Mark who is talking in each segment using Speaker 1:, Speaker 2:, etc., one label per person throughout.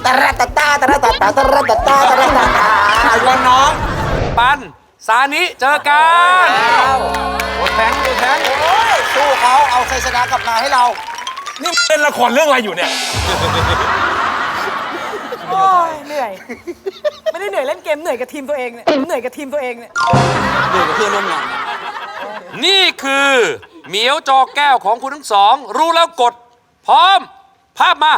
Speaker 1: ตะระตะตาตะระตะตาตะระตะตาตะระตะตา
Speaker 2: วันน้อง
Speaker 3: ปันซานิเจอกัน
Speaker 2: โอ้แทงโอ้แทง
Speaker 1: สู้เขาเอาชัยชนะกลับมาให้เรา
Speaker 2: นี่เล่นละครเรื่องอะไรอยู่เนี่ย
Speaker 4: โอ้ยเหนื่อย ไม่ได้เหนื่อยเล่นเกมเหนื่อยกับทีมตัวเองเนี่ยเหนื่อยกับทีมตัวเองเนี่ย
Speaker 1: ดูกับเพื่อนร่วมงาน
Speaker 3: นี่คือเหมียวจอแก้วของคุณทั้งสอง รู้แล้วกด พร้อม ภาพมา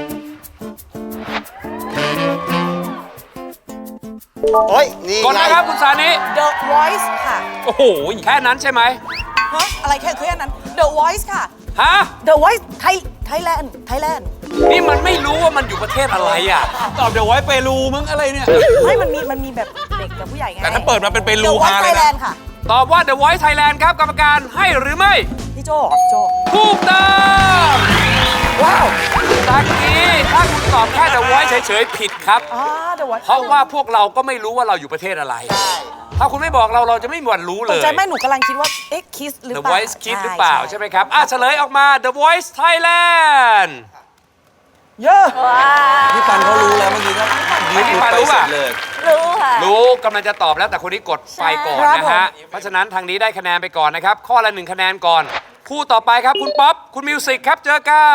Speaker 1: โอ้ยนี่
Speaker 3: กดนะครับคุณซานิ
Speaker 4: The Voice ค่ะ
Speaker 2: โอ้โห
Speaker 3: แค่นั้นใช่ไหม
Speaker 4: ฮะอะไรแค่นั้น The Voice ค่ะ
Speaker 3: ฮะ
Speaker 4: The Voice Thailand
Speaker 3: นี่มันไม่รู้ว่ามันอยู่ประเทศอะไรอ่ะ
Speaker 2: ตอบเดี๋ยวไว้เปรูมึงอะไรเนี่ย
Speaker 4: ไม่มันมีแบบเด็กกับผู้ใหญ่ไง
Speaker 2: แต่ถ้าเปิดมาเป็นเป
Speaker 4: The
Speaker 2: รู
Speaker 4: Voice
Speaker 2: ฮาเลยนะ
Speaker 4: Thailand ค่ะ
Speaker 3: ตอบว่า The Voice Thailand ครับ กรรมการให้หรือไม่
Speaker 4: พี่โจ
Speaker 3: ถูกต้องว้าวตะกี้ถ้าคุณตอบแค่ The Voice เฉยๆผิดครับ
Speaker 4: The Voice
Speaker 3: เพราะว่าพวกเราก็ไม่รู้ว่าเราอยู่ประเทศอะไร ถ้าคุณไม่บอกเราจะไม่มีวันรู้เล
Speaker 4: ตก
Speaker 3: ย
Speaker 4: ใจแม่หนูกำลังคิดว่า เอ๊ะ Kiss หรือ
Speaker 3: The
Speaker 4: เปล่า
Speaker 3: Voice Kids หรือเปล่าใช่ไหมครับเฉลยออกมา The Voice Thailand
Speaker 4: เยอะ
Speaker 1: พี่ปันเขารู้แล้วเมื่อกี้ก็
Speaker 3: ไม่พี่ปันรู้ป่ะ
Speaker 1: เลย
Speaker 5: รู้ค่ะ
Speaker 3: รู้กำลังจะตอบแล้วแต่คนนี้กดไฟก่อนนะฮะ เพราะฉะนั้นทางนี้ได้คะแนนไปก่อนนะครับ ข้อละ1คะแนนก่อน คู่ต่อไปครับคุณป๊อป คุณมิวสิกครับเจอกัน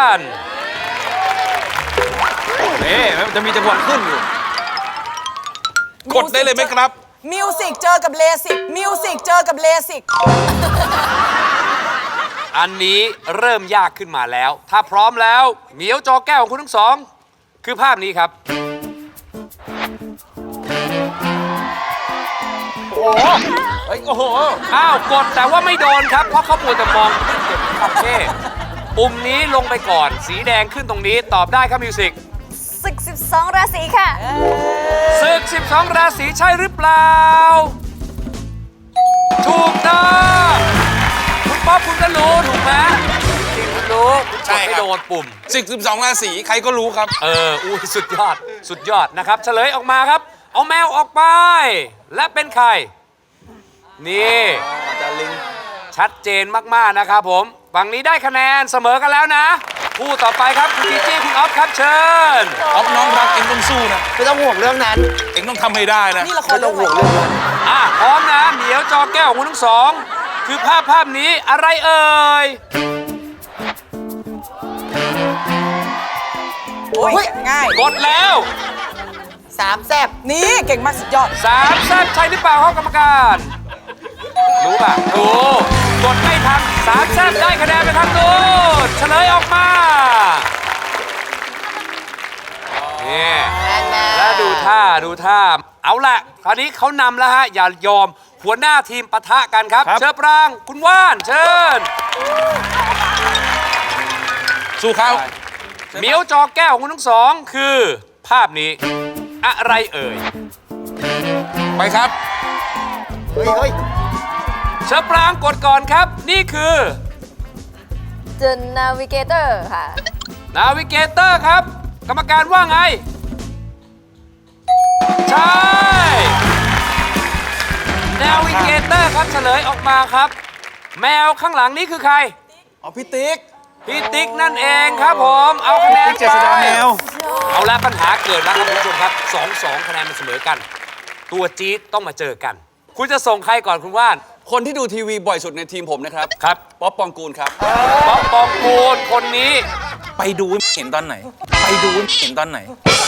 Speaker 2: นี่มันจะมีจังหวะขึ้นอยู่ กดได้เลยไหมครับ
Speaker 4: มิวสิกเจอกับเลสิกมิวสิกเจอกับเลสิก
Speaker 3: อันนี้เริ่มยากขึ้นมาแล้ว ถ้าพร้อมแล้วเหมียวจอแก้วของคุณทั้งสอง คือภาพนี้ครับ
Speaker 2: เฮ้ย โอ้โห
Speaker 3: อ้าวกดแต่ว่าไม่โดนครับ เพราะเขาปวดแต่มองความเท่ปุ่มนี้ลงไปก่อน สีแดงขึ้นตรงนี้ตอบได้ครับมิวสิก
Speaker 5: ศึก12 ราศีค่ะ
Speaker 3: ศึก 12 ราศีใช่หรือเปล่า ถูกต้องคุณป๊อปคุณก็รู้ถูกไหมจริงคุณรู้คุณก
Speaker 2: ใช่
Speaker 3: ด
Speaker 2: ครับ
Speaker 3: ไม่โดนปุ่ม
Speaker 2: 12 ราศีใครก็รู้ครับ
Speaker 3: อุ้ยสุดยอด สุดยอดนะครับ เฉลยออกมาครับ เอาแมวออกไป และเป็นใคร นี่ ชัดเจนมาก ๆ นะครับผม ฝั่งนี้ได้คะแนนเสมอกันแล้วนะ คู่ต่อไปครับ คุณจีจี้คุณออฟครับเชิญ
Speaker 2: ออฟน้องรักเอ็งต้องสู้นะ
Speaker 1: ไม่ต้องห่วงเรื่องนั้น
Speaker 2: เอ็งต้องทำให้ได้นะ
Speaker 4: นี่ละคร
Speaker 1: ไม่ต้
Speaker 4: เรื่
Speaker 1: อ
Speaker 4: อง ง
Speaker 1: ห่วง
Speaker 4: ใหม่
Speaker 1: เรื่องนั้น
Speaker 3: พร้อมนะเหมียวจอแก้วของคุณทั้งสอง คือภาพนี้อะไรเอ่ย
Speaker 4: โอ้ยง่าย
Speaker 3: กดแล้ว
Speaker 1: สามแซบ
Speaker 4: นี่เก่งมากสุดยอด
Speaker 3: 3แซ่บใช่หรือเปล่าครับกรรมการ รู้ป่ะรู้กดไม่ทัน3แซ่บได้คะแนนไปทางนู้นเฉลยออกมานี่แล้วดูท่า เอาละคราวนี้เขานำแล้วฮะ อย่ายอมหัวหน้าทีมปะทะกันครับ
Speaker 2: ครับ
Speaker 3: เชิญปรางคุณว่านเชิญ
Speaker 2: สู้เขา
Speaker 3: เหมียวจอแก้วของคุณทั้งสองคือภาพนี้ อะไรเอ่ย
Speaker 2: ไปครับ
Speaker 1: เฮ้ย
Speaker 3: เชิญปรางกดก่อนครับ นี่คือ
Speaker 5: The Navigator ค่ะ
Speaker 3: นาวิเกเตอร์ครับ กรรมการว่าไง ใช่นาวิเกเตอร์ครับเฉลยออกมาครับ แมวข้างหลังนี้คือใคร
Speaker 2: อ๋อพี่ติ๊ก
Speaker 3: พี่ติ๊กนั่นเองครับผม เอาคะแนน
Speaker 2: เจษ
Speaker 3: ไป
Speaker 2: ฎาแมว
Speaker 3: เอาละปัญหาเกิดแล้วครับคุณผู้ชมครับ 2-2 คะแนนมันเสมอกัน ตัวจี๊ดต้องมาเจอกัน คุณจะส่งใครก่อนคุณว่าน
Speaker 6: คนที่ดูทีวีบ่อยสุดในทีมผมนะครับ
Speaker 3: ครับ
Speaker 6: ป๊อปปองกูลครับ
Speaker 3: ป๊อปปองกูลคนนี้
Speaker 2: ไปดูเห็นตอนไหน ไปดูเห็นตอนไหน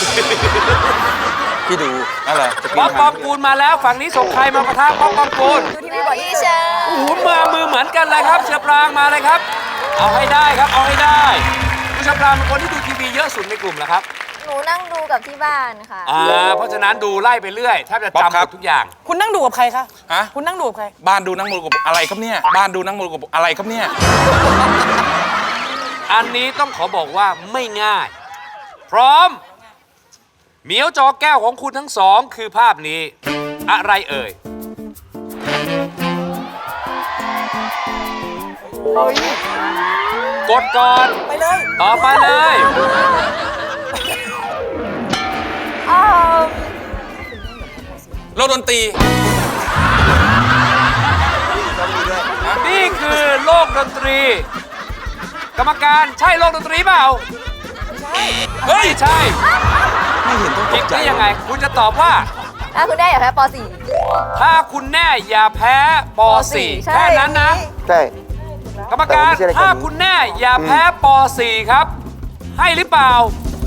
Speaker 6: พี่ดูอะไรจะปี
Speaker 3: ป๊อป
Speaker 6: น
Speaker 3: ป
Speaker 6: ทา
Speaker 3: อง งกูลมาแล้วฝั่งนี้ส่งใครมาปะทะป๊อปปองกูล
Speaker 5: ดูทีวีบ่อยที่เชิญ
Speaker 3: โอ้โหมือเหมือนกันเลยครับเชือปรางมาเลยครับ เอาให้ได้ครับ เอาให้ได้คุณเชือปรางเป็นคนที่ดูทีวีเยอะสุดในกลุ่มเหรอครับ
Speaker 5: หนูนั่งดูกับที่บ้านค่ะ
Speaker 3: เพราะฉะนั้นดูไล่ไปเรื่อยแทบจะจำหมดทุกอย่าง
Speaker 4: คุณนั่งดูกับใครคะ
Speaker 2: ฮะ
Speaker 4: คุณนั่งดูกับใคร
Speaker 2: บ้านดูนังมรกบอะไรครับเนี่ย บ้านดูนังมรกบอะไรครับเนี่ย
Speaker 3: อันนี้ต้องขอบอกว่าไม่ง่าย พร้อม เหมียวจอแก้วของคุณทั้งสองคือภาพนี้ อะไรเอ่ย กดก่อน
Speaker 4: ไปเลย
Speaker 3: ต่อไปเลย
Speaker 2: โลกดนตรี
Speaker 3: นี่คือโลกดนตรี กรรมการใช่โลกดนตรีเปล่า
Speaker 2: เฮ้ย
Speaker 3: ใช่ผิดได้ยังไง คุณจะตอบว่า
Speaker 5: ถ้าคุณได้อย่าแพ้ป
Speaker 3: ถ้าคุณแน่อย่าแพ้ป .4
Speaker 5: ใช่
Speaker 3: แค่นั้นนะ
Speaker 1: ใช่
Speaker 3: กรรมการ
Speaker 1: แต่ว่าไม่ใช่รายการนี้
Speaker 3: ถ้าคุณแน่อย่าแพ้ป .4 ครับ ให้หรือเปล่า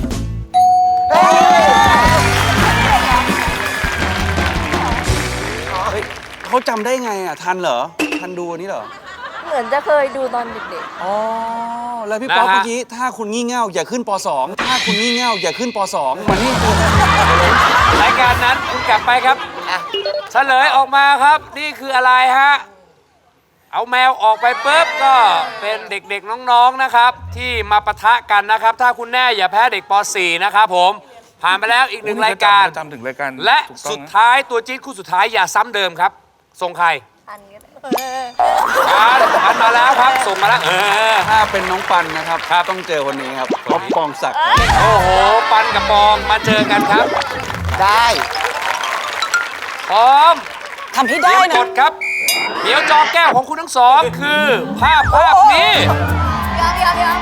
Speaker 6: เขาจำได้ไงอ่ะ ทันเหรอ ทันดูอันนี้เหรอ
Speaker 5: เหมือนจะเคยดูตอนเด็ก
Speaker 6: อ๋อ แล้วพี่ป๊อป
Speaker 3: นะฮะ
Speaker 6: เมื่อกี้ ถ้าคุณงี่เง่าอย่าขึ้นป .2 ถ้าคุณงี่เง่าอย่าขึ้นป .2 มันนี่คือ
Speaker 3: รายการนั้นคุณกลับไปครับเฉลยออกมาครับ นี่คืออะไรฮะ เอาแมวออกไปปุ๊บก็เป็นเด็กๆน้องๆนะครับ ที่มาปะทะกันนะครับ ถ้าคุณแน่อย่าแพ้เด็กป .4 นะครับผมผ่านไปแล้วอีกหนึ่งรายการ
Speaker 2: จำถึงรายการ
Speaker 3: และ
Speaker 2: ถูกต้อง
Speaker 3: สุด
Speaker 2: นะ
Speaker 3: ท้ายตัวจี๊ดคู่สุดท้ายอย่าซ้ำเดิมครับส่งใคร
Speaker 5: ๆ อันก็ได้
Speaker 3: ปันมาแล้วครับส่งมาแล้ว
Speaker 6: ถ้าเป็นน้องปันนะครับ ต้องเจอคนนี้ครับป๊อปปองศักดิ์
Speaker 3: โอ้โหปันกับปองมาเจอกันครับ
Speaker 1: ได้
Speaker 3: พร้อม
Speaker 4: ทำให้
Speaker 3: เตรี
Speaker 4: ได้
Speaker 3: ยม
Speaker 4: นะ
Speaker 3: กดครับ เดี๋ยวจอแก้วของคุณทั้งสองคือภาพนี้
Speaker 5: ยอม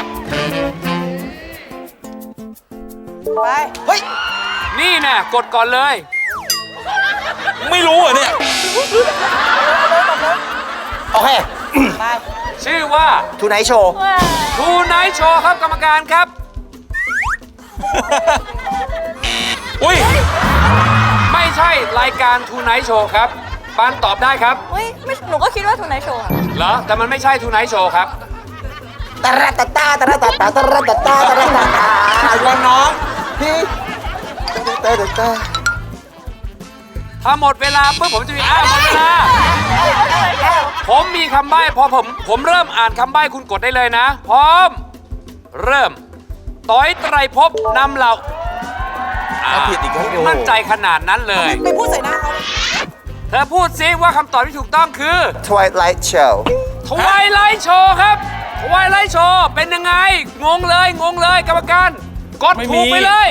Speaker 4: ไป
Speaker 1: เฮ้ย
Speaker 3: นี่นะกดก่อนเลย
Speaker 2: ไม่รู้เหรอเนี่ย
Speaker 1: โอเค
Speaker 4: ไป
Speaker 3: ชื่อว่า
Speaker 1: ทูไนท์โชว์
Speaker 3: ทูไนท์โชว์ครับกรรมการครับ
Speaker 2: อุ้ย
Speaker 3: ไม่ใช่รายการทูไนท์โชว์ครับปานตอบได้ครับ
Speaker 5: เฮ้ยไม่หนูก็คิดว่าทูไนท์โชว์ค่ะ
Speaker 3: เหรอแต่มันไม่ใช่ทูไนท์โชว์ครับ
Speaker 1: ตะระตะตาตะระตะตาตะระตะตาตะระตะตาวันน้องพี่ตะระตะ
Speaker 3: ถ้าหมดเวลาปุ๊บผมจะมีหมดเวลา ผมมีคำใบ้พอผมเริ่มอ่านคำใบ้คุณกดได้เลยนะ พร้อม เริ่มต้อยไตรภพนำเรา
Speaker 6: ถ้าผิดอีกก็
Speaker 3: มั่นใจขนาดนั้นเลย
Speaker 4: ไปพูดใส่หน้าเขา
Speaker 3: เธอพูดซิว่าคำตอบที่ถูกต้องคือ
Speaker 1: Twilight Show
Speaker 3: ทวายไลท์โชว์ครับทวายไลท์โชว์เป็นยังไง งงเลยกรรมการ กดถูกไปเลย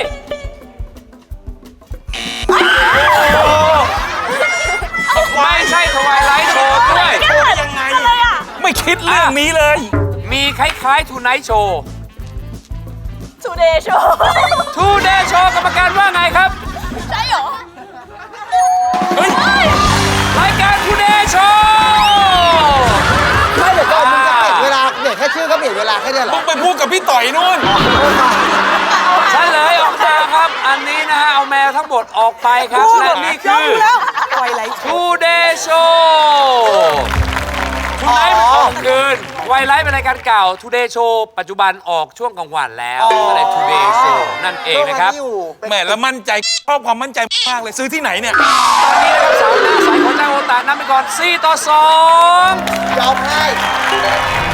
Speaker 3: ไม่ใช่ทวายไลท์โชว์ด้วย
Speaker 2: ยังไง ไม่คิดเรื่องนี้เลย
Speaker 3: มีคล้ายๆทูไนท์โชว์
Speaker 5: ทูเดย์โชว์
Speaker 3: ทูเดย์โชว์กรรมการว่าไงครับ
Speaker 5: ใช่เหรอ
Speaker 2: เฮ้ย
Speaker 3: รายการทูเดย์โชว์
Speaker 1: ไม่เดี๋ยวก่อนมึงจะเปลี่ยนเวลาเปลี่ยนแค่ชื่อก็เปลี่ยนเวลาแค่เนี้ยเหร
Speaker 2: มึ
Speaker 1: อง
Speaker 2: ไปพูดกับพี่ต่อยนู่น
Speaker 3: เฉลยออกมาครับ อันนี้นะฮะ เอาแมวทั้งหมดออกไปครับ และนี่คือ
Speaker 4: แล้วปล่อยไหล
Speaker 3: ทูเดย์โชว์ทูไนท์มันออกคืนไวไลท์เป็นรายการเก่าทูเดย์โชว์ปัจจุบันออกช่วงกลางวันแล้วก็เลยทูเดย์โชว์นั่นเองนะครับ
Speaker 2: แหมแล้วมั่นใจชอบความมั่นใจมากเลยซื้อที่ไหนเนี่ย
Speaker 3: ตอนนี้นะครับสาวหน้าใสของเจ้าโอตานำไปก่อน4-2
Speaker 1: ยอมให้